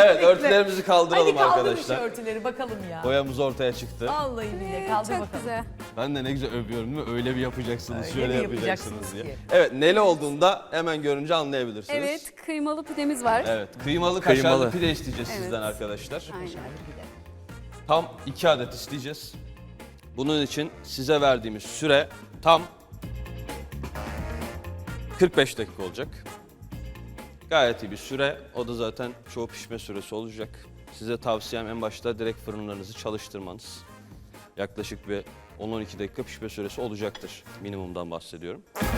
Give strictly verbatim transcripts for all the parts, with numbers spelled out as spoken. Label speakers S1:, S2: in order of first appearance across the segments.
S1: Evet, örtülerimizi kaldıralım
S2: Hadi kaldırın
S1: arkadaşlar.
S2: şu örtüleri bakalım ya.
S1: Boyamız ortaya çıktı.
S2: Vallahi billahi kaldır
S3: Çok
S2: bakalım.
S3: güzel.
S1: Ben de ne güzel övüyorum değil mi? Öyle bir yapacaksınız,
S2: Öyle
S1: şöyle
S2: bir
S1: yapacaksınız
S2: yapacaksınız
S1: diye.
S2: ki.
S1: Evet, neli olduğunda hemen görünce anlayabilirsiniz.
S3: Evet, kıymalı pidemiz var.
S1: Evet, kıymalı kaşarlı
S4: Kıymalı.
S1: pide isteyeceğiz
S3: Evet.
S1: sizden arkadaşlar.
S3: Aynen.
S1: Tam iki adet isteyeceğiz. Bunun için size verdiğimiz süre tam kırk beş dakika olacak. Gayet iyi bir süre. O da zaten çoğu pişme süresi olacak. Size tavsiyem en başta direkt fırınlarınızı çalıştırmanız. Yaklaşık bir on on iki dakika pişme süresi olacaktır. Minimumdan bahsediyorum.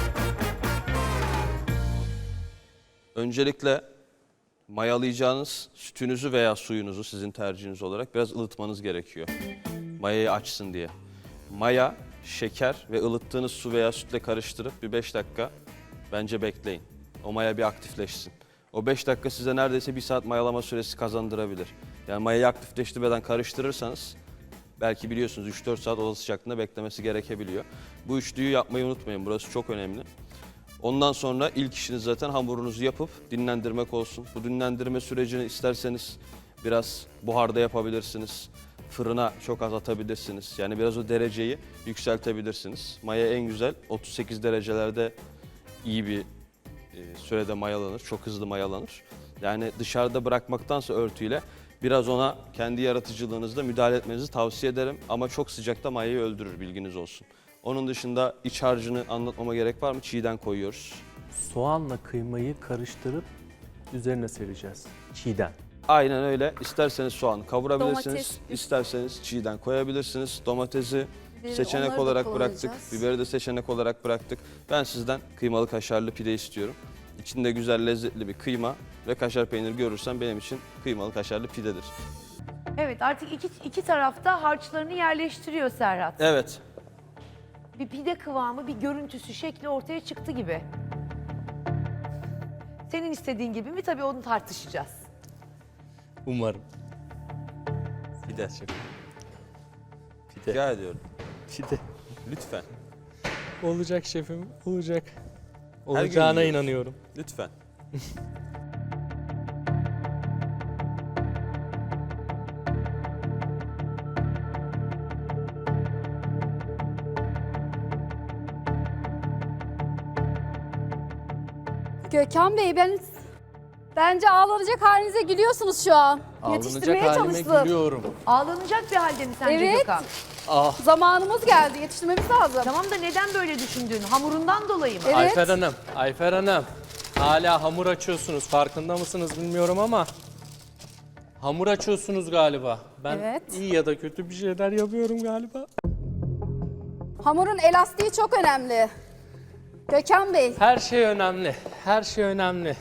S1: Öncelikle mayalayacağınız sütünüzü veya suyunuzu sizin tercihiniz olarak biraz ılıtmanız gerekiyor. Mayayı açsın diye. Maya, şeker ve ılıttığınız su veya sütle karıştırıp bir beş dakika bence bekleyin. O maya bir aktifleşsin. O beş dakika size neredeyse bir saat mayalama süresi kazandırabilir. Yani mayayı aktifleştirmeden karıştırırsanız belki biliyorsunuz üç dört saat oda sıcaklığında beklemesi gerekebiliyor. Bu üçlüyü yapmayı unutmayın. Burası çok önemli. Ondan sonra ilk işiniz zaten hamurunuzu yapıp dinlendirmek olsun. Bu dinlendirme sürecini isterseniz biraz buharda yapabilirsiniz. Fırına çok az atabilirsiniz. Yani biraz o dereceyi yükseltebilirsiniz. Maya en güzel otuz sekiz derecelerde iyi bir e, sürede mayalanır. Çok hızlı mayalanır. Yani dışarıda bırakmaktansa örtüyle biraz ona kendi yaratıcılığınızla müdahale etmenizi tavsiye ederim. Ama çok sıcakta mayayı öldürür, bilginiz olsun. Onun dışında iç harcını anlatmama gerek var mı? Çiğden koyuyoruz.
S4: Soğanla kıymayı karıştırıp üzerine sereceğiz. Çiğden.
S1: Aynen öyle. İsterseniz soğan kavurabilirsiniz.
S3: Domates.
S1: İsterseniz çiğden koyabilirsiniz. Domatesi
S3: Biberi,
S1: seçenek
S3: onları da
S1: olarak bıraktık.
S3: kullanacağız.
S1: Biberi de seçenek olarak bıraktık. Ben sizden kıymalı kaşarlı pide istiyorum. İçinde güzel lezzetli bir kıyma ve kaşar peyniri görürsem benim için kıymalı kaşarlı pidedir.
S2: Evet, artık iki, iki tarafta harçlarını yerleştiriyor Serhat.
S1: Evet.
S2: Bir pide kıvamı, bir görüntüsü, şekli ortaya çıktı gibi. Senin istediğin gibi mi? Tabii onu tartışacağız.
S4: Umarım. Pide şefim. Pide.
S1: Rica ediyorum.
S4: Pide.
S1: Lütfen.
S4: Olacak şefim, olacak.
S1: gün
S4: Olacağına
S1: yiyoruz.
S4: inanıyorum.
S1: Lütfen.
S3: Gökhan Bey, ben bence ağlanacak halinize gülüyorsunuz şu an.
S4: Ağlanacak
S3: Yetiştirmeye
S4: halime
S3: çalıştım.
S4: gülüyorum.
S2: Ağlanacak bir halde mi sence
S3: Evet.
S2: Gökhan?
S4: Ah.
S3: Zamanımız geldi, yetiştirmemiz lazım.
S2: Tamam da neden böyle düşündün? Hamurundan dolayı mı?
S3: Evet.
S4: Ayfer Hanım, Ayfer Hanım. Hala hamur açıyorsunuz. Farkında mısınız bilmiyorum ama hamur açıyorsunuz galiba. Ben
S3: Evet.
S4: iyi ya da kötü bir şeyler yapıyorum galiba.
S3: Hamurun elastiği çok önemli. Gökhan Bey,
S4: Her şey önemli. Her şey önemli.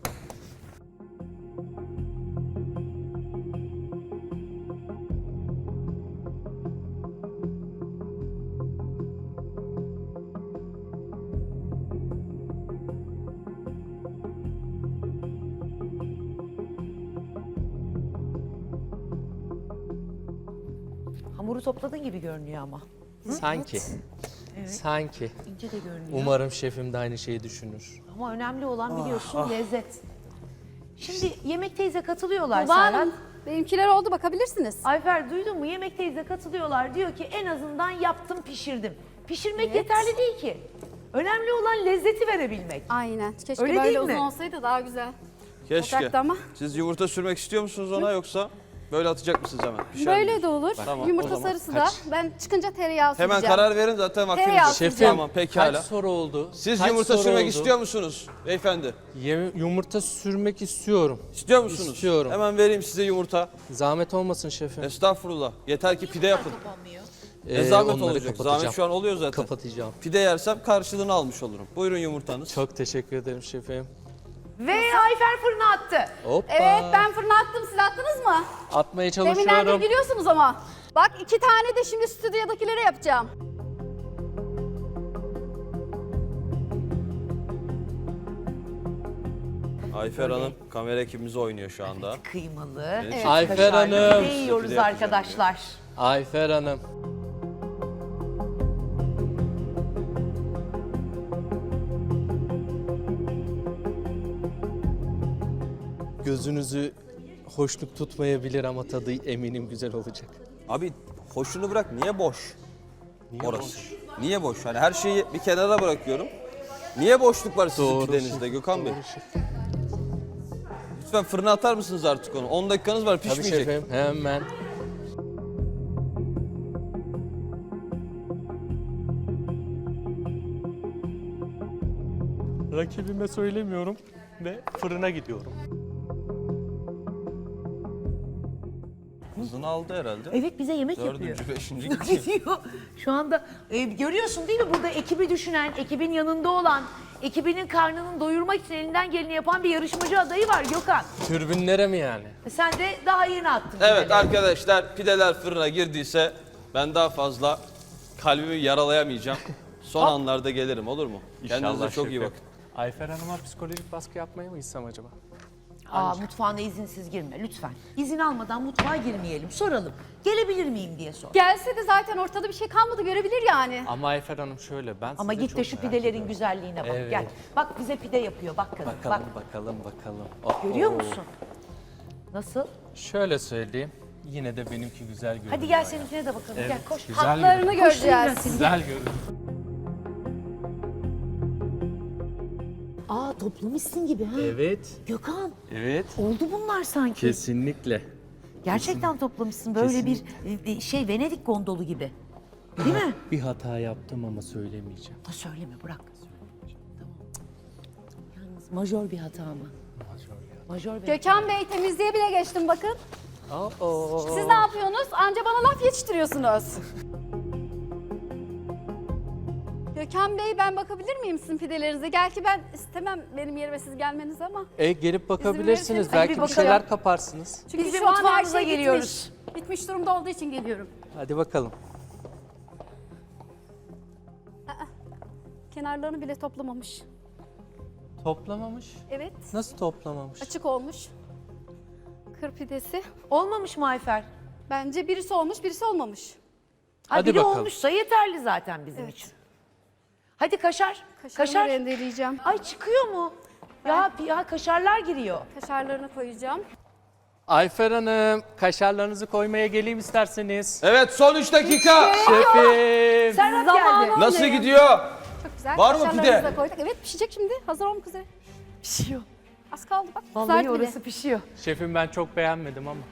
S2: Hamuru topladın gibi görünüyor ama.
S4: Sanki. Sanki.
S2: İnce de görünüyor.
S4: Umarım şefim de aynı şeyi düşünür.
S2: Ama önemli olan biliyorsun lezzet. Şimdi Yemek Teyze katılıyorlar
S3: Tuba
S2: Serhat.
S3: Hanım, benimkiler oldu, bakabilirsiniz.
S2: Ayfer duydun mu? Yemek Teyze katılıyorlar. Diyor ki en azından yaptım, pişirdim. Pişirmek
S3: Evet.
S2: yeterli değil ki. Önemli olan lezzeti verebilmek.
S3: Aynen. Keşke
S2: Öyle
S3: böyle
S2: değil
S3: uzun
S2: mi?
S3: olsaydı daha güzel.
S1: Keşke.
S3: Olacaktı ama.
S1: Siz yumurta sürmek istiyor musunuz ona yoksa böyle atacak mısınız hemen? Pişer
S3: Böyle
S1: mi?
S3: de olur.
S1: Tamam, o
S3: Yumurta
S1: zaman
S3: sarısı da.
S4: kaç?
S3: Ben çıkınca tereyağı
S1: Hemen
S3: süreceğim.
S1: karar verin zaten vaktiniz
S3: Tereyağı
S1: yok.
S3: süreceğim.
S4: Şefim,
S1: Tamam, pekala.
S4: kaç soru oldu?
S1: Siz
S4: Kaç
S1: yumurta
S4: soru
S1: sürmek
S4: oldu?
S1: istiyor musunuz beyefendi?
S4: Yem- yumurta sürmek istiyorum.
S1: İstiyor musunuz?
S4: İstiyorum.
S1: Hemen vereyim size yumurta.
S4: Zahmet olmasın şefim.
S1: Estağfurullah. Yeter ki pide yapın.
S4: Ee,
S1: E zahmet
S4: onları
S1: olacak.
S4: kapatacağım.
S1: Zahmet şu an oluyor zaten.
S4: Kapatacağım.
S1: Pide yersem karşılığını almış olurum. Buyurun yumurtanız.
S4: Çok teşekkür ederim şefim.
S2: Ve Ayfer fırına attı.
S4: Hoppa.
S3: Evet, ben fırına attım. Siz attınız mı?
S4: Atmaya
S3: Deminden beri
S4: çalışıyorum.
S3: biliyorsunuz ama. Bak, iki tane de şimdi stüdyodakilere yapacağım.
S1: Ayfer Hanım kamera ekibimiz oynuyor şu anda.
S2: Kıymalı.
S1: Evet.
S4: Ayfer
S2: kaşarlı
S4: Hanım.
S2: pide yiyoruz
S1: Pide yapacağım
S2: arkadaşlar.
S4: Ayfer Hanım. Gözünüzü hoşluk tutmayabilir ama tadı eminim güzel olacak.
S1: Abi hoşunu bırak, niye boş
S4: Niye
S1: orası?
S4: boş?
S1: Niye boş? Hani her şeyi bir kenara bırakıyorum. Niye boşluk var sizin
S4: Doğru
S1: pidenizde
S4: şef,
S1: Gökhan Bey?
S4: doğru şef.
S1: Lütfen fırına atar mısınız artık onu? on dakikanız var,
S4: Tabii
S1: pişmeyecek.
S4: şefim, hemen. Rakibime söylemiyorum ve fırına gidiyorum.
S1: Hızını aldı herhalde.
S2: Evet, bize yemek yapıyor.
S1: Dördüncü, beşinci gidiyor.
S2: Gidiyor. Şu anda e, görüyorsun değil mi, burada ekibi düşünen, ekibin yanında olan, ekibinin karnını doyurmak için elinden geleni yapan bir yarışmacı adayı var Gökhan.
S4: Türbünlere mi yani?
S2: E, Sen de daha yeni attın.
S1: Evet
S2: pideleri.
S1: arkadaşlar, pideler fırına girdiyse ben daha fazla kalbimi yaralayamayacağım. Son anlarda gelirim, olur mu? Kendinize çok iyi bakın.
S4: Ayfer Hanım'a psikolojik baskı yapmaya mı gitsem acaba?
S2: Aa, mutfağına izinsiz girme lütfen. İzin almadan mutfağa girmeyelim. Soralım. Gelebilir miyim diye sor.
S3: Gelse de zaten ortada bir şey kalmadı, görebilir yani.
S4: Ama Ayfer Hanım şöyle, ben
S2: Ama
S4: size
S2: git
S4: çok
S2: de şu
S4: merak
S2: pidelerin
S4: ediyorum.
S2: güzelliğine bak.
S4: Evet.
S2: Gel. Bak bize pide yapıyor. Bak kadın.
S4: Bakalım,
S2: Bak.
S4: bakalım, bakalım.
S2: Görüyor
S4: Oo.
S2: musun? Nasıl?
S4: Şöyle söyleyeyim, yine de benimki güzel görünüyor.
S2: Hadi gel
S4: yani.
S2: seninkine de bakalım.
S4: Evet,
S2: Gel koş.
S4: güzel
S3: Hatlarını
S4: görünüyor.
S3: göreceğiz.
S4: Güzel görünüyor.
S2: Aa, toplamışsın gibi ha.
S4: Evet,
S2: Gökhan,
S4: evet.
S2: oldu bunlar sanki.
S4: Kesinlikle.
S2: Gerçekten toplamışsın. Böyle bir e, şey Venedik gondolu gibi. Değil mi?
S4: Bir hata yaptım ama söylemeyeceğim.
S2: Ha, söyleme, bırak. Tamam. Yalnız majör bir hata mı? Majör bir
S3: Gökhan Bey, temizliğe bile geçtim bakın.
S4: Oo.
S3: Siz ne yapıyorsunuz? Anca bana laf yetiştiriyorsunuz. Gökhan Bey, ben bakabilir miyim sizin pidelerinize? Gel ki ben istemem benim yerime siz gelmeniz ama.
S4: E gelip bakabilirsiniz.
S3: verirseniz
S4: Belki
S2: bir
S4: bir
S2: bakalım.
S4: şeyler kaparsınız.
S3: Çünkü
S2: Biz bir
S3: şu an her
S2: mutfağınıza
S3: şey
S2: geliyoruz.
S3: bitmiş. Bitmiş durumda olduğu için geliyorum.
S4: Hadi bakalım.
S3: Kenarlarını bile toplamamış.
S4: Toplamamış.
S3: Evet,
S4: Nasıl toplamamış?
S3: açık olmuş. Kır pidesi.
S2: Olmamış mı Ayfer?
S3: Bence birisi olmuş, birisi olmamış.
S2: Ha,
S4: Hadi
S2: biri
S4: bakalım.
S2: olmuşsa yeterli zaten bizim
S3: Evet.
S2: için. Hadi kaşar.
S3: Kaşarını
S2: Kaşar.
S3: rendeleyeceğim.
S2: Ay, çıkıyor mu? Ya, ya kaşarlar giriyor.
S3: Kaşarlarını koyacağım.
S4: Ayfer Hanım, kaşarlarınızı koymaya geleyim isterseniz.
S1: Evet, son üç dakika.
S4: Şefim.
S2: Serhat
S3: Zamanı
S2: geldi.
S1: Nasıl
S3: olmuyor.
S1: gidiyor?
S3: Çok güzel.
S1: Var mı
S3: Kaşarlarımızı
S1: pide?
S3: da koyduk. Evet, pişecek şimdi. Hazır olmak üzere.
S2: Pişiyor.
S3: Az kaldı bak.
S2: Vallahi
S3: Kızardı bile.
S2: orası pişiyor.
S4: Şefim, ben çok beğenmedim ama.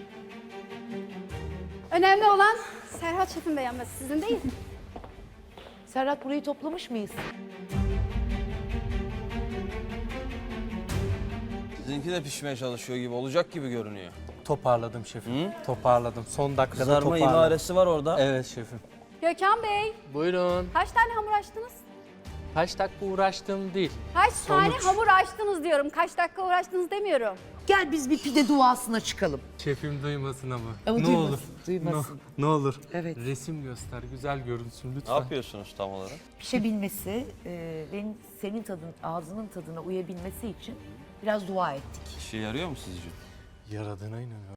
S3: Önemli olan Serhat şefin beğenmesi, sizin değil.
S2: Serhat, burayı toplamış mıyız?
S1: Sizinki de pişmeye çalışıyor gibi, olacak gibi görünüyor.
S4: Toparladım şefim. Toparladım. Son dakikada
S1: Kızarma
S4: toparladım.
S1: imaresi var orada.
S4: Evet şefim.
S3: Gökhan Bey,
S4: Buyurun.
S3: kaç tane hamur açtınız?
S4: Kaç dakika uğraştım değil.
S3: Kaç tane
S4: Sonuç.
S3: hamur açtınız diyorum. Kaç dakika uğraştınız demiyorum.
S2: Gel biz bir pide duasına çıkalım.
S4: Şefim duymasın ama.
S2: Ama
S4: ne
S2: duymasın,
S4: olur.
S2: duymasın.
S4: Ne, ne olur.
S2: Evet.
S4: Resim göster, güzel görünsün
S1: Ne
S4: lütfen.
S1: yapıyorsunuz tam olarak?
S2: Pişebilmesi, e, benim senin tadın, ağzının tadına uyabilmesi için biraz dua ettik.
S1: İşe yarıyor mu sizce?
S4: Yaradığına inanıyorum.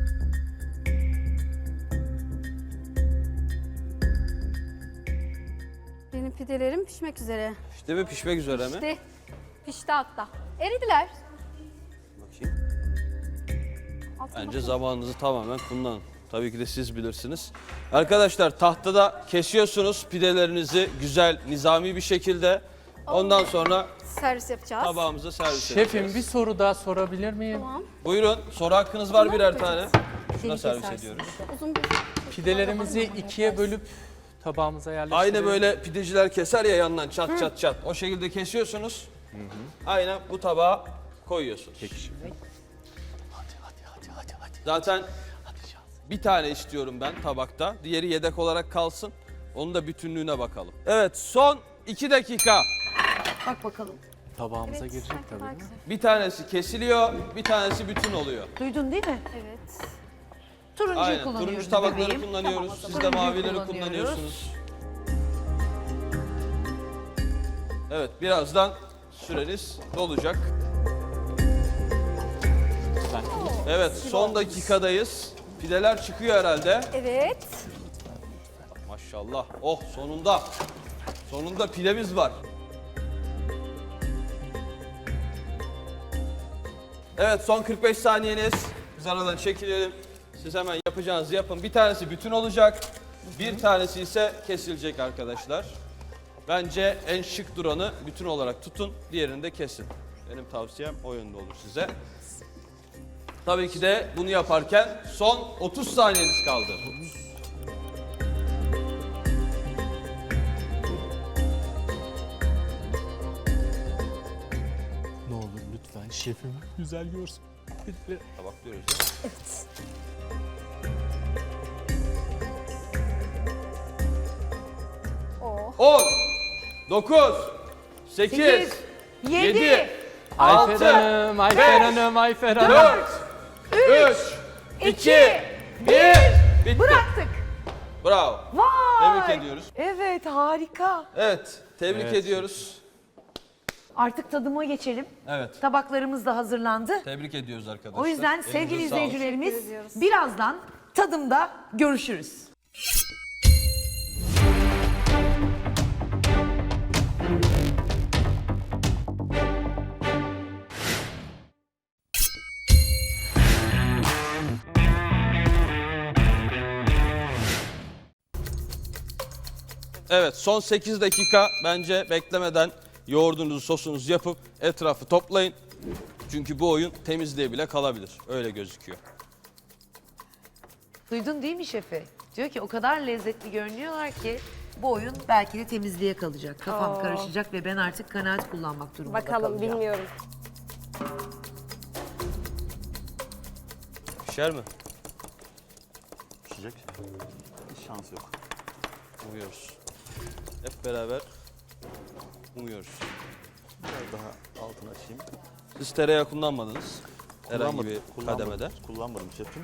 S3: Benim pidelerim pişmek üzere.
S1: İşte mi, pişmek üzere mi?
S3: Pişti. Pişti hatta. Eridiler.
S1: Bakayım.
S3: Altına
S1: Bence
S3: bakın.
S1: zamanınızı tamamen kullanın. Tabii ki de siz bilirsiniz. Arkadaşlar, tahtada kesiyorsunuz pidelerinizi güzel, nizami bir şekilde. Ondan sonra
S3: Servis yapacağız.
S1: tabağımıza servis
S4: Şefim,
S1: edeceğiz.
S4: bir soru daha sorabilir miyim?
S3: Tamam.
S1: Buyurun, soru hakkınız var birer tane. Şuna
S2: Seni
S1: servis
S2: kesersin.
S1: ediyoruz.
S3: Uzun bir...
S4: Pidelerimizi ikiye bölüp tabağımıza yerleştirelim.
S1: Aynı böyle pideciler keser ya yandan çat çat çat. O şekilde kesiyorsunuz. Aynen bu tabağa koyuyorsunuz.
S4: Peki şefim. Hadi hadi hadi hadi hadi.
S1: Zaten
S4: Hadi şans.
S1: bir tane istiyorum ben tabakta. Diğeri yedek olarak kalsın. Onun da bütünlüğüne bakalım. Evet, son iki dakika.
S2: Bak bakalım.
S4: Tabağımıza
S3: Evet,
S4: girecek
S3: sanki
S4: tabii
S3: daha
S4: değil mi?
S3: güzel.
S1: Bir tanesi kesiliyor, bir tanesi bütün oluyor.
S2: Duydun değil mi?
S3: Evet.
S2: Turuncuyu
S1: Aynen.
S2: kullanıyoruz
S1: Turuncu tabakları
S2: bebeğim.
S1: kullanıyoruz.
S2: Tamam,
S1: Siz de
S2: turuncuyu
S1: mavileri
S2: kullanıyoruz.
S1: kullanıyorsunuz. Evet, birazdan süreniz dolacak. Evet, son dakikadayız. Pideler çıkıyor herhalde.
S3: Evet.
S1: Maşallah. Oh, sonunda. Sonunda pidemiz var. Evet, son kırk beş saniyeniz. Biz aradan çekilelim. Siz hemen yapacağınızı yapın. Bir tanesi bütün olacak. Bir tanesi ise kesilecek arkadaşlar. Bence en şık duranı bütün olarak tutun. Diğerini de kesin. Benim tavsiyem o yönde olur size. Tabii ki de bunu yaparken son otuz saniyeniz kaldı.
S4: Ne olur lütfen şefim güzel görsün.
S1: Tabaklıyoruz ya.
S3: Oh.
S1: on, dokuz, sekiz,
S2: sekiz,
S1: yedi,
S2: yedi,
S4: Ayfer
S1: altı,
S4: Hanım, Ayfer Hanım, Ayfer Hanım.
S1: dört, üç, iki, bir. Bitti.
S2: Bıraktık.
S1: Bravo.
S2: Vay.
S1: Tebrik ediyoruz.
S2: Evet, harika.
S1: Evet, tebrik
S4: Evet.
S1: ediyoruz.
S2: Artık tadıma geçelim.
S1: Evet,
S2: Tabaklarımız da hazırlandı.
S1: tebrik ediyoruz arkadaşlar.
S2: O yüzden
S1: Elinize
S2: sevgili
S1: sağlık.
S2: izleyicilerimiz
S3: Teşekkür ediyoruz.
S2: birazdan tadımda görüşürüz.
S1: Evet, son sekiz dakika bence beklemeden yoğurdunuzu, sosunuzu yapıp etrafı toplayın. Çünkü bu oyun temizliğe bile kalabilir. Öyle gözüküyor.
S2: Duydun değil mi şefi? Diyor ki o kadar lezzetli görünüyorlar ki bu oyun belki de temizliğe kalacak. Kafam
S3: Oo.
S2: karışacak ve ben artık kanaat kullanmak durumunda
S3: Bakalım
S2: kalacağım.
S3: bilmiyorum.
S1: Pişer mi?
S5: Pişecek. Hiç şans yok.
S1: Umuyoruz. Hep beraber umuyoruz.
S5: Biraz daha altını açayım.
S1: Siz tereyağı kullanmadınız. Herhangi
S5: Kullanmadım,
S1: bir
S5: kullanmadım.
S1: kademede.
S5: Kullanmadım şefim.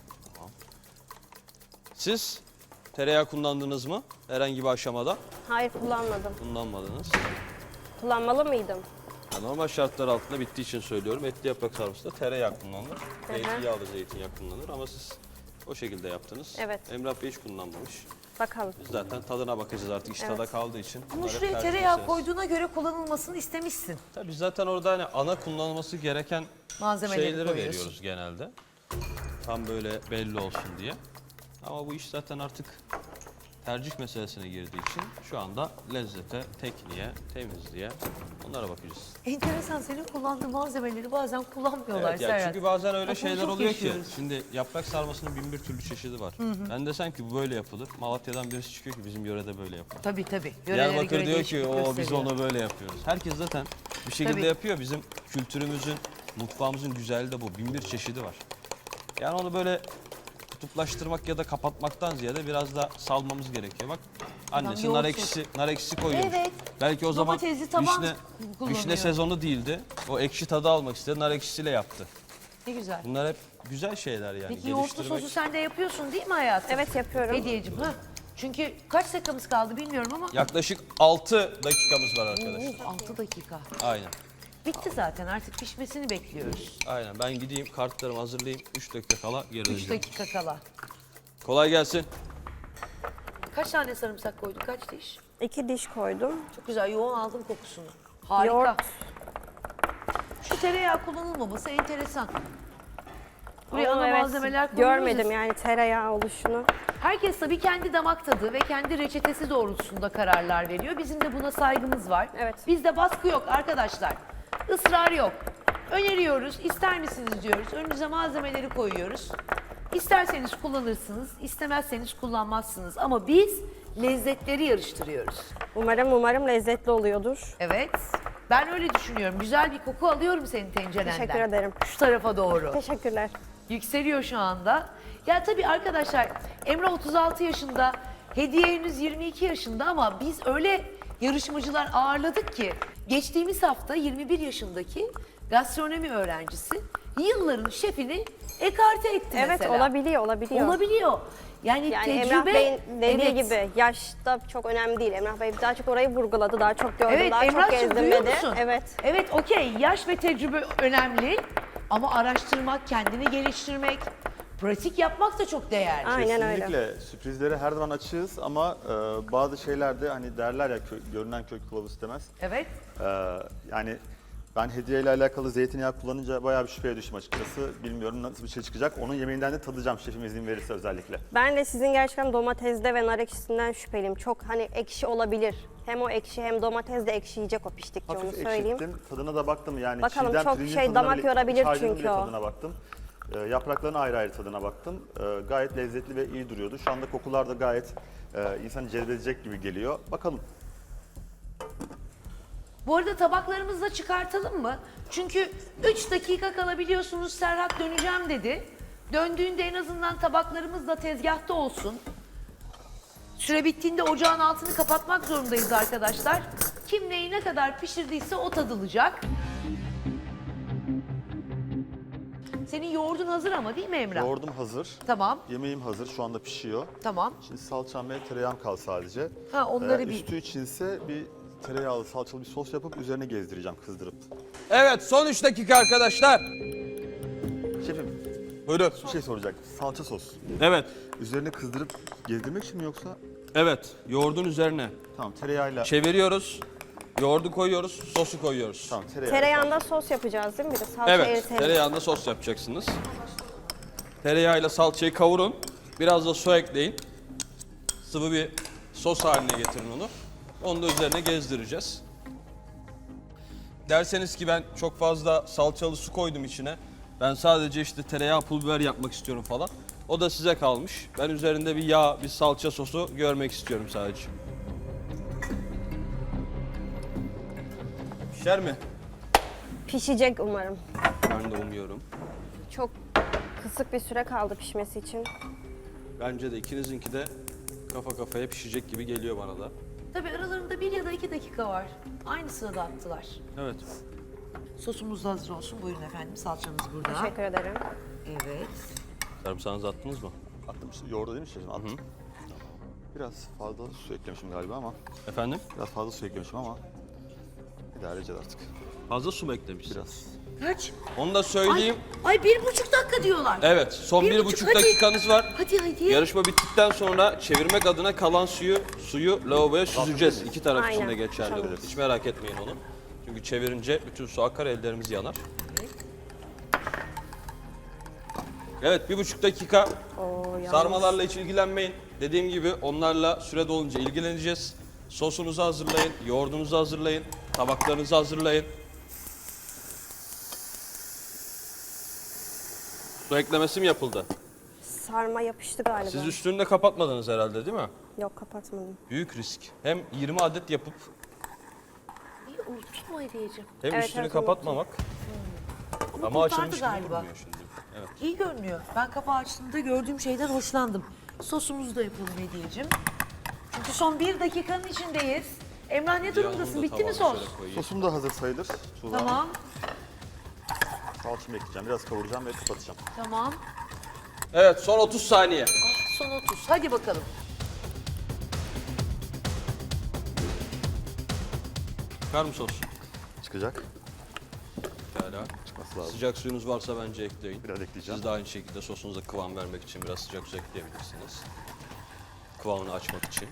S1: Siz tereyağı kullandınız mı? Herhangi bir aşamada
S6: Hayır kullanmadım.
S1: kullanmadınız.
S6: Kullanmalı mıydım?
S1: Ya normal şartlar altında bittiği için söylüyorum. Etli yaprak sarmasında tereyağı kullanılır.
S6: hı.
S1: Zeytinyağlı zeytinyağı kullanılır ama siz o şekilde yaptınız.
S6: Evet.
S1: Emrah Bey hiç kullanmamış.
S6: Bakalım.
S1: Biz zaten tadına bakacağız artık iş tada kaldığı için.
S2: Ama
S1: Bunlar hep
S2: şuraya
S1: tercih
S2: tereyağı
S1: meselesi.
S2: koyduğuna göre kullanılmasını istemişsin.
S1: Tabii zaten orada hani ana kullanılması gereken
S2: Malzemeleri
S1: şeyleri
S2: koyuyorsun.
S1: veriyoruz genelde. Tam böyle belli olsun diye. Ama bu iş zaten artık tercih meselesine girdiği için şu anda lezzete, tekniğe, temizliğe onlara bakacağız.
S2: Enteresan, senin kullandığın malzemeleri bazen kullanmıyorlar
S1: Evet, ya
S2: Serhat.
S1: çünkü bazen öyle
S2: Bak bunu
S1: şeyler
S2: çok
S1: oluyor
S2: yaşıyoruz.
S1: ki. Şimdi yaprak sarmasının bin bir türlü çeşidi var. Ben desem ki bu böyle yapılır. Malatya'dan birisi çıkıyor ki bizim yörede böyle yapılır.
S2: Tabii tabii. Yörelere
S1: Diyarbakır
S2: göre
S1: diyor ki
S2: değişiklik
S1: o biz
S2: gösteriyor."
S1: onu böyle yapıyoruz. Herkes zaten bir şekilde
S2: Tabii.
S1: yapıyor. Bizim kültürümüzün, mutfağımızın güzelliği de bu. Bin bir çeşidi var. Yani onu böyle kutuplaştırmak ya da kapatmaktan ziyade biraz da salmamız gerekiyor. Bak annesi
S2: yoğurt
S1: nar ekşisi, nar ekşisi koyuyormuş.
S2: Evet.
S1: Belki o zaman
S2: Domatesli taban
S1: vişne,
S2: kullanıyor.
S1: vişne sezonu değildi. O ekşi tadı almak istedi. Nar ekşisiyle yaptı.
S2: Ne güzel.
S1: Bunlar hep güzel şeyler yani.
S2: Peki yoğurtlu
S1: Geliştirmek.
S2: sosu sen de yapıyorsun değil mi hayatım?
S6: Evet yapıyorum.
S2: Hediyeciğim. Ha? Çünkü kaç dakikamız kaldı bilmiyorum ama
S1: Yaklaşık altı dakikamız var arkadaşlar.
S2: altı dakika.
S1: Aynen.
S2: Bitti zaten, artık pişmesini bekliyoruz.
S1: Aynen. Ben gideyim kartlarımı hazırlayayım. üç dakika kala geri
S2: üç
S1: döneceğim.
S2: dakika kala.
S1: Kolay gelsin.
S2: Kaç tane sarımsak koyduk, kaç diş?
S6: İki diş koydum.
S2: Çok güzel, yoğun aldım kokusunu. Harika.
S6: Yoğurt.
S2: Şu tereyağı kullanılmaması enteresan. Buraya
S6: Ama
S2: ana
S6: evet,
S2: malzemeler koyuyoruz.
S6: görmedim
S2: ya.
S6: yani tereyağı oluşunu.
S2: Herkes tabii kendi damak tadı ve kendi reçetesi doğrultusunda kararlar veriyor. Bizim de buna saygımız var.
S6: Evet.
S2: Bizde baskı yok arkadaşlar. Israr yok. Öneriyoruz, ister misiniz diyoruz. Önünüze malzemeleri koyuyoruz. İsterseniz kullanırsınız, istemezseniz kullanmazsınız. Ama biz lezzetleri yarıştırıyoruz.
S6: Umarım umarım lezzetli oluyordur.
S2: Evet, ben öyle düşünüyorum. Güzel bir koku alıyorum senin tencerenden.
S6: Teşekkür ederim.
S2: Şu tarafa doğru.
S6: Teşekkürler.
S2: Yükseliyor şu anda. Ya tabii arkadaşlar, Emrah otuz altı yaşında, Hediye henüz yirmi iki yaşında ama biz öyle yarışmacılar ağırladık ki geçtiğimiz hafta yirmi bir yaşındaki gastronomi öğrencisi yılların şefini ekarte etti
S6: Evet
S2: mesela.
S6: olabiliyor olabiliyor.
S2: Olabiliyor. Yani,
S6: Yani
S2: tecrübe,
S6: Emrah Bey'in dediği
S2: evet.
S6: gibi yaşta çok önemli değil. Emrah Bey daha çok orayı vurguladı, daha çok gördüm,
S2: Evet
S6: daha çok
S2: Emrah'cığım
S6: gezdim
S2: duyuyor
S6: dedi.
S2: musun?
S6: Evet.
S2: Evet okey, yaş ve tecrübe önemli ama araştırmak, kendini geliştirmek, pratik yapmak da çok değerli.
S6: Aynen öyle.
S5: Kesinlikle sürprizlere her zaman açığız ama e, bazı şeylerde hani derler ya kö- görünen kök kılavuz istemez.
S2: Evet.
S5: E, yani Ben hediye ile alakalı zeytinyağı kullanınca bayağı bir şüpheye düştüm açıkçası. Bilmiyorum nasıl bir şey çıkacak. Onun yemeğinden de tadacağım şefim izin verirse özellikle.
S6: Ben de sizin gerçekten domatesde ve nar ekşisinden şüpheliyim. Çok hani ekşi olabilir. Hem o ekşi hem domates de ekşi yiyecek o piştikçe, onu
S5: Hafif
S6: söyleyeyim.
S5: ekşittim. Tadına da baktım yani.
S6: Bakalım,
S5: çiğdem,
S6: çok
S5: pirincin
S6: şey,
S5: tadına
S6: damak
S5: bile-
S6: yorabilir
S5: çaydanın
S6: çünkü
S5: bile
S6: o.
S5: tadına baktım. Ee, yaprakların ayrı ayrı tadına baktım. Ee, gayet lezzetli ve iyi duruyordu. Şu anda kokular da gayet e, insanı cezbedecek gibi geliyor. Bakalım.
S2: Bu arada tabaklarımızı da çıkartalım mı? Çünkü üç dakika kalabiliyorsunuz, Serhat döneceğim dedi. Döndüğünde en azından tabaklarımız da tezgahta olsun. Süre bittiğinde ocağın altını kapatmak zorundayız arkadaşlar. Kim neyi ne kadar pişirdiyse o tadılacak. Senin yoğurdun hazır ama değil mi Emrah?
S5: Yoğurdum hazır.
S2: Tamam,
S5: Yemeğim hazır. Şu anda pişiyor.
S2: tamam.
S5: Şimdi salçam ve tereyağım kaldı sadece.
S2: Ha, onları
S5: Ee,
S2: bir-
S5: Üstü içinse bir tereyağlı salçalı bir sos yapıp üzerine gezdireceğim kızdırıp.
S1: Evet, son üç dakika arkadaşlar.
S5: Şefim
S1: Buyurun.
S5: bir şey soracaktım. Salça sos.
S1: Evet,
S5: Üzerine kızdırıp gezdirmek için mi yoksa?
S1: evet. Yoğurdun üzerine
S5: Tamam tereyağıyla.
S1: çeviriyoruz. Yoğurdu koyuyoruz, sosu koyuyoruz.
S5: Tamam tereyağı.
S6: Tereyağında sos yapacağız değil mi? Bir de salça
S1: Evet,
S6: eritelim.
S1: tereyağında sos yapacaksınız. Tereyağıyla salçayı kavurun. Biraz da su ekleyin. Sıvı bir sos haline getirin onu. Onu da üzerine gezdireceğiz. Derseniz ki ben çok fazla salçalı su koydum içine. Ben sadece işte tereyağı, pul biber yapmak istiyorum falan. O da size kalmış. Ben üzerinde bir yağ, bir salça sosu görmek istiyorum sadece. Pişer mi?
S6: Pişecek umarım.
S1: Ben de umuyorum.
S6: Çok kısık bir süre kaldı pişmesi için.
S1: Bence de ikinizinki de kafa kafaya pişecek gibi geliyor bana da.
S2: Tabii aralarında bir ya da iki dakika var. Aynı sırada attılar.
S1: Evet.
S2: Sosumuz da hazır olsun. Buyurun efendim, salçamız burada.
S6: Teşekkür ederim.
S2: Evet.
S1: Sarımsağınızı attınız mı?
S5: Attım işte yoğurdu değil mi şefim? Attım. Biraz fazla su eklemişim galiba ama.
S1: Efendim?
S5: Biraz fazla su eklemişim ama. İdare edeceğiz artık.
S1: Fazla su mu eklemişsiniz?
S5: Biraz.
S2: Kaç?
S1: Onu da
S2: Ay,
S1: söyleyeyim.
S2: ay bir buçuk dakika diyorlar.
S1: Evet, son
S2: Bir
S1: bir,
S2: buçuk,
S1: buçuk
S2: hadi.
S1: dakikanız var.
S2: Hadi hadi.
S1: Yarışma bittikten sonra çevirmek adına kalan suyu suyu lavaboya süzeceğiz. İki taraf için de
S6: Aynen.
S1: geçerli bu.
S6: Tamam.
S1: Hiç merak etmeyin onu. Çünkü çevirince bütün su akar, ellerimiz yanar. Evet, bir buçuk dakika.
S6: Oo, yalnız.
S1: Sarmalarla hiç ilgilenmeyin. Dediğim gibi onlarla süre dolunca ilgileneceğiz. Sosunuzu hazırlayın, yoğurdunuzu hazırlayın, tabaklarınızı hazırlayın. Su eklemesi mi yapıldı?
S6: Sarma yapıştı galiba.
S1: Siz üstünü de kapatmadınız herhalde değil mi?
S6: Yok, kapatmadım.
S1: Büyük risk. Hem yirmi adet yapıp
S2: İyi, unuttun mu hediyeciğim?
S1: hem
S6: Evet,
S1: üstünü
S6: evet,
S1: kapatmamak.
S2: Ama,
S1: Ama
S2: kurtardı
S1: açılmış gibi
S2: galiba.
S1: görünüyor şimdi. Evet.
S2: İyi görünüyor. Ben kapağı açtığımda gördüğüm şeyden hoşlandım. Sosumuzu da yapalım hediyeciğim. Çünkü son bir dakikanın içindeyiz. Emrah ne durumdasın? Bitti mi sos?
S5: Sosum da hazır sayılır. Tuğla.
S2: Tamam,
S5: Salçamı ekleyeceğim. Biraz kavuracağım ve kapatacağım.
S2: tamam.
S1: Evet, son otuz saniye.
S2: Son otuz. Hadi bakalım.
S1: Çıkar mı sos?
S5: Çıkacak.
S1: Pekala.
S5: Çıkması lazım.
S1: Sıcak suyunuz varsa bence ekleyin.
S5: Biraz ekleyeceğim.
S1: Siz de aynı şekilde sosunuza kıvam vermek için biraz sıcak su ekleyebilirsiniz. Kıvamını açmak için.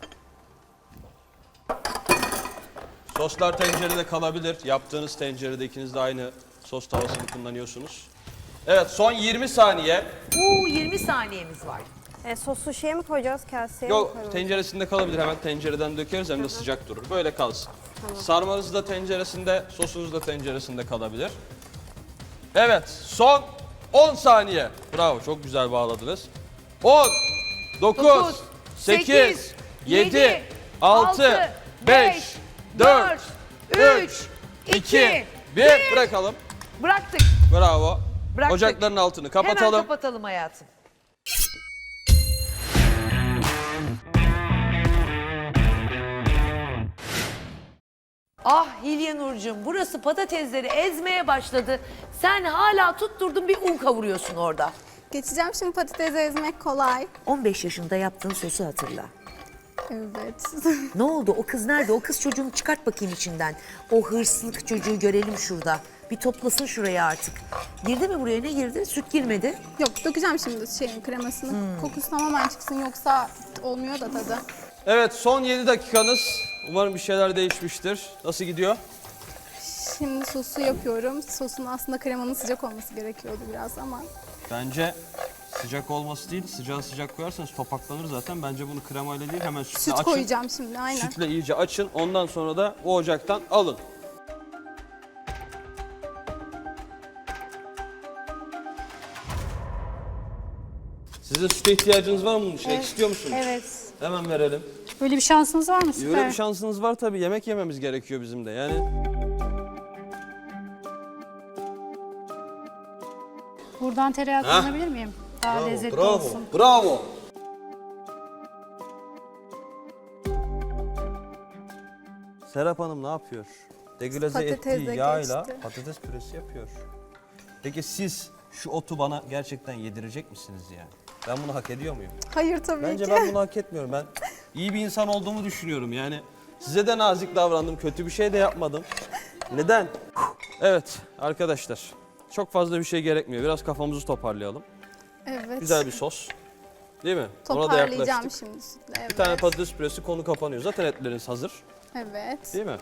S1: Soslar tencerede kalabilir. Yaptığınız tencerede ikiniz de aynı sos tavasını kullanıyorsunuz. Evet, son yirmi saniye.
S2: Uuu yirmi saniyemiz var.
S6: E, sosu şeye mi koyacağız, kaseye mi
S1: Yok,
S6: koyalım?
S1: tenceresinde kalabilir. Hemen tencereden dökeriz hem de sıcak durur. Böyle kalsın. Sarmanız da tenceresinde, sosunuz da tenceresinde kalabilir. Evet, son on saniye. Bravo, çok güzel bağladınız. on, dokuz, sekiz, yedi, altı, beş, dört, üç, iki, bir. Bırakalım.
S2: Bıraktık.
S1: Bravo.
S2: Bıraktık.
S1: Ocakların altını kapatalım.
S2: Hemen kapatalım hayatım. Ah Hilya Nurcuğum, burası patatesleri ezmeye başladı. Sen hala tutturdun bir un kavuruyorsun orada.
S3: Geçeceğim şimdi, patatesi ezmek kolay.
S2: on beş yaşında yaptığın sosu hatırla.
S3: Evet.
S2: Ne oldu? O kız nerede? O kız çocuğunu çıkart bakayım içinden. O hırslık çocuğu görelim şurada. Bir toplasın şuraya artık. Girdi mi buraya? Ne girdi? Süt girmedi.
S3: Yok, dökeceğim şimdi şeyin kremasını. Kokusu tamamen çıksın, yoksa olmuyor da tadı.
S1: Evet, son yedi dakikanız. Umarım bir şeyler değişmiştir. Nasıl gidiyor?
S7: Şimdi sosu yapıyorum. Sosun aslında kremanın sıcak olması gerekiyordu biraz ama.
S1: Bence sıcak olması değil, sıcağı sıcak koyarsanız topaklanır zaten. Bence bunu kremayla değil, hemen sütle
S7: Süt
S1: açın.
S7: koyacağım şimdi, aynen.
S1: Sütle iyice açın, ondan sonra da o ocaktan alın. Sizin süte ihtiyacınız var mı bunun için? Ek istiyor musunuz?
S8: Evet.
S1: Hemen verelim.
S8: Böyle bir şansınız var mı? Süper.
S1: Öyle bir şansınız var tabii. Yemek yememiz gerekiyor bizim de. Yani
S8: Buradan tereyağı
S1: Ha?
S8: kullanabilir miyim? Daha lezzetli
S1: bravo,
S8: olsun.
S1: bravo. Serap Hanım ne yapıyor? Deglaze
S7: Patates
S1: ettiği
S7: de
S1: yağıyla
S7: geçti.
S1: patates püresi yapıyor. Peki siz şu otu bana gerçekten yedirecek misiniz yani? Ben bunu hak ediyor muyum?
S7: Hayır tabii
S1: Bence
S7: ki.
S1: ben bunu hak etmiyorum. Ben iyi bir insan olduğumu düşünüyorum. Yani size de nazik davrandım. Kötü bir şey de yapmadım. Neden? Evet arkadaşlar. Çok fazla bir şey gerekmiyor. Biraz kafamızı toparlayalım.
S7: Evet.
S1: Güzel bir sos. Değil mi? Ona da
S7: Toparlayacağım
S1: yaklaştık.
S7: şimdi sütle. Evet.
S1: Bir tane patates püresi, konu kapanıyor. Zaten etleriniz hazır.
S7: Evet.
S1: Değil mi?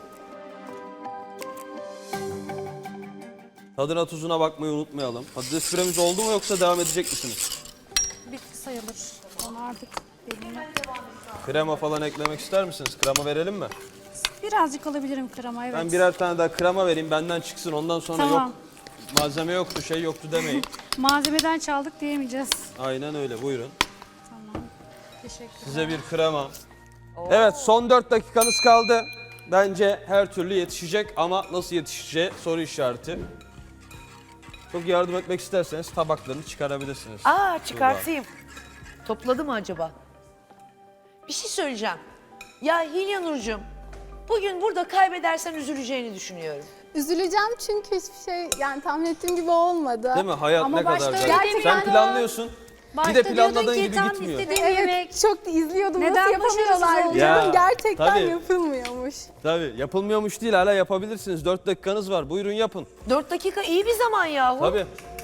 S1: Tadına tuzuna bakmayı unutmayalım. Patates püremiz oldu mu yoksa devam edecek misiniz?
S8: Bitti sayılır. Onu artık benimle.
S1: Krema falan eklemek ister misiniz? Krema verelim mi?
S8: Birazcık alabilirim krema, evet.
S1: Ben birer tane daha krema vereyim, benden çıksın. Ondan sonra
S8: Tamam.
S1: yok, malzeme yoktu, şey yoktu demeyin.
S8: Malzemeden çaldık diyemeyeceğiz.
S1: Aynen öyle, buyurun.
S8: Tamam. Teşekkür
S1: Size bir krema. Evet, son dört dakikanız kaldı. Bence her türlü yetişecek ama nasıl yetişeceği soru işareti. Çok yardım etmek isterseniz tabaklarını çıkarabilirsiniz.
S2: Aa çıkartayım. Topladı mı acaba? Bir şey söyleyeceğim. Ya Hilya Nurcuğum, bugün burada kaybedersen üzüleceğini düşünüyorum.
S7: Üzüleceğim çünkü hiçbir şey yani tahmin ettiğim gibi olmadı.
S1: Değil mi? Hayat
S8: Ama
S1: ne kadar
S8: başta
S1: güzel.
S7: öyle
S1: Sen
S7: yani.
S1: planlıyorsun. Bir de planladığın gibi gitmiyor.
S7: Evet, çok da izliyordum.
S8: Neden
S7: Nasıl yapamıyorlar
S8: başarısız
S7: diyordum.
S1: Ya,
S7: Gerçekten
S1: tabii.
S7: yapılmıyormuş.
S1: Tabii yapılmıyormuş değil, hala yapabilirsiniz. Dört dakikanız var. Buyurun yapın.
S2: Dört dakika iyi bir zaman yahu.
S1: Tabii.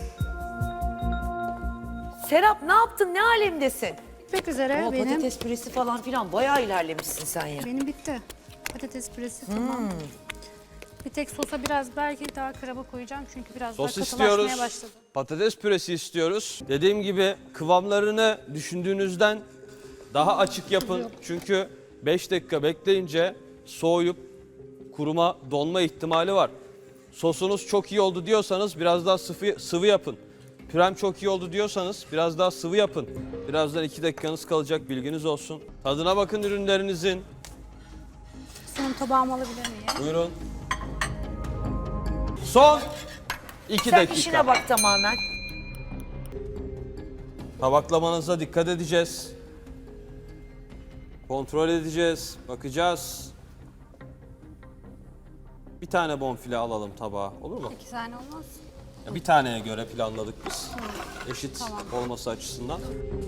S2: Serap ne yaptın? Ne alemdesin?
S8: Bitmek üzere
S2: Ama
S8: benim.
S2: patates püresi falan filan bayağı ilerlemişsin sen ya.
S8: Benim bitti. Patates püresi tamam. Bir tek sosa biraz belki daha krema koyacağım çünkü biraz
S1: Sos
S8: daha
S1: istiyoruz.
S8: katılaşmaya başladı.
S1: Patates püresi istiyoruz. Dediğim gibi kıvamlarını düşündüğünüzden daha açık yapın. Çünkü beş dakika bekleyince soğuyup kuruma, donma ihtimali var. Sosunuz çok iyi oldu diyorsanız biraz daha sıvı, sıvı yapın. Pürem çok iyi oldu diyorsanız biraz daha sıvı yapın. Birazdan iki dakikanız kalacak, bilginiz olsun. Tadına bakın ürünlerinizin.
S8: Son tabağımı alabilir miyim?
S1: Buyurun. Son iki
S2: Sen
S1: dakika.
S2: işine bak tamamen.
S1: Tabaklamanıza dikkat edeceğiz. Kontrol edeceğiz, bakacağız. Bir tane bonfile alalım tabağa, olur mu?
S8: İki tane olmaz.
S1: Ya bir taneye göre planladık biz. Eşit olması açısından.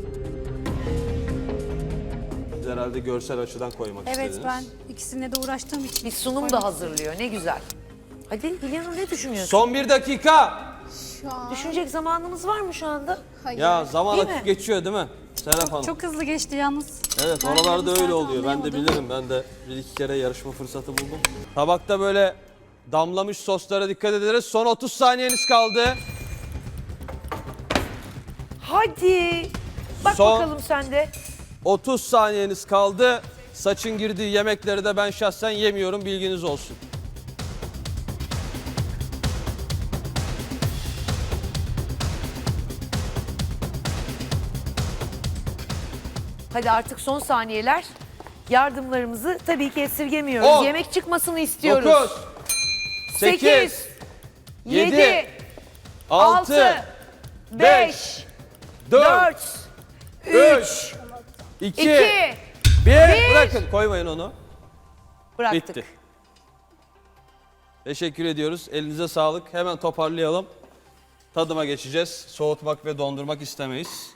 S1: Siz herhalde görsel açıdan koymak
S8: Evet
S1: istediniz.
S8: ben ikisine de uğraştığım için.
S2: Bir sunum da hazırlıyor. Ne güzel. Hadi Hilya Nur ne düşünüyorsun?
S1: Son bir dakika.
S7: Şu an
S2: Düşünecek zamanımız var mı şu anda?
S7: hayır.
S1: Ya zaman
S2: Değil
S1: akıp
S2: mi?
S1: geçiyor değil mi? Serap Hanım.
S8: Çok hızlı geçti yalnız.
S1: Evet,
S8: Ben
S1: oralarda
S8: yarım
S1: öyle
S8: saat
S1: oluyor. Ben de
S8: anlayamadım.
S1: bilirim. Ben de bir iki kere yarışma fırsatı buldum. Tabakta böyle damlamış soslara dikkat ederiz. Son otuz saniyeniz kaldı.
S2: Hadi. Bak
S1: Son-
S2: bakalım sen de.
S1: otuz saniyeniz kaldı. Saçın girdiği yemekleri de ben şahsen yemiyorum. Bilginiz olsun.
S2: Hadi artık son saniyeler. Yardımlarımızı tabii ki esirgemiyoruz.
S1: On,
S2: Yemek çıkmasını istiyoruz.
S1: dokuz, sekiz, yedi, altı,
S2: beş,
S1: dört,
S2: dört, üç,
S1: üç, iki,
S2: iki,
S1: bir. Bırakın, koymayın onu.
S2: bıraktık.
S1: Bitti. Teşekkür ediyoruz. Elinize sağlık. Hemen toparlayalım. Tadıma geçeceğiz. Soğutmak ve dondurmak istemeyiz.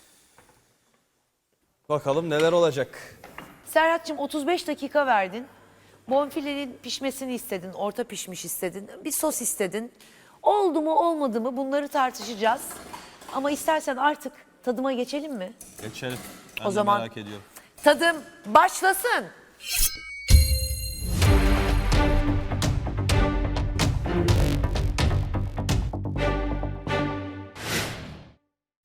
S1: Bakalım neler olacak.
S2: Serhat'cığım otuz beş dakika verdin. Bonfilenin pişmesini istedin, orta pişmiş istedin, bir sos istedin. Oldu mu olmadı mı bunları tartışacağız. Ama istersen artık tadıma geçelim mi?
S1: Geçelim. Ben
S2: O
S1: de
S2: zaman-
S1: merak ediyorum.
S2: Tadım başlasın.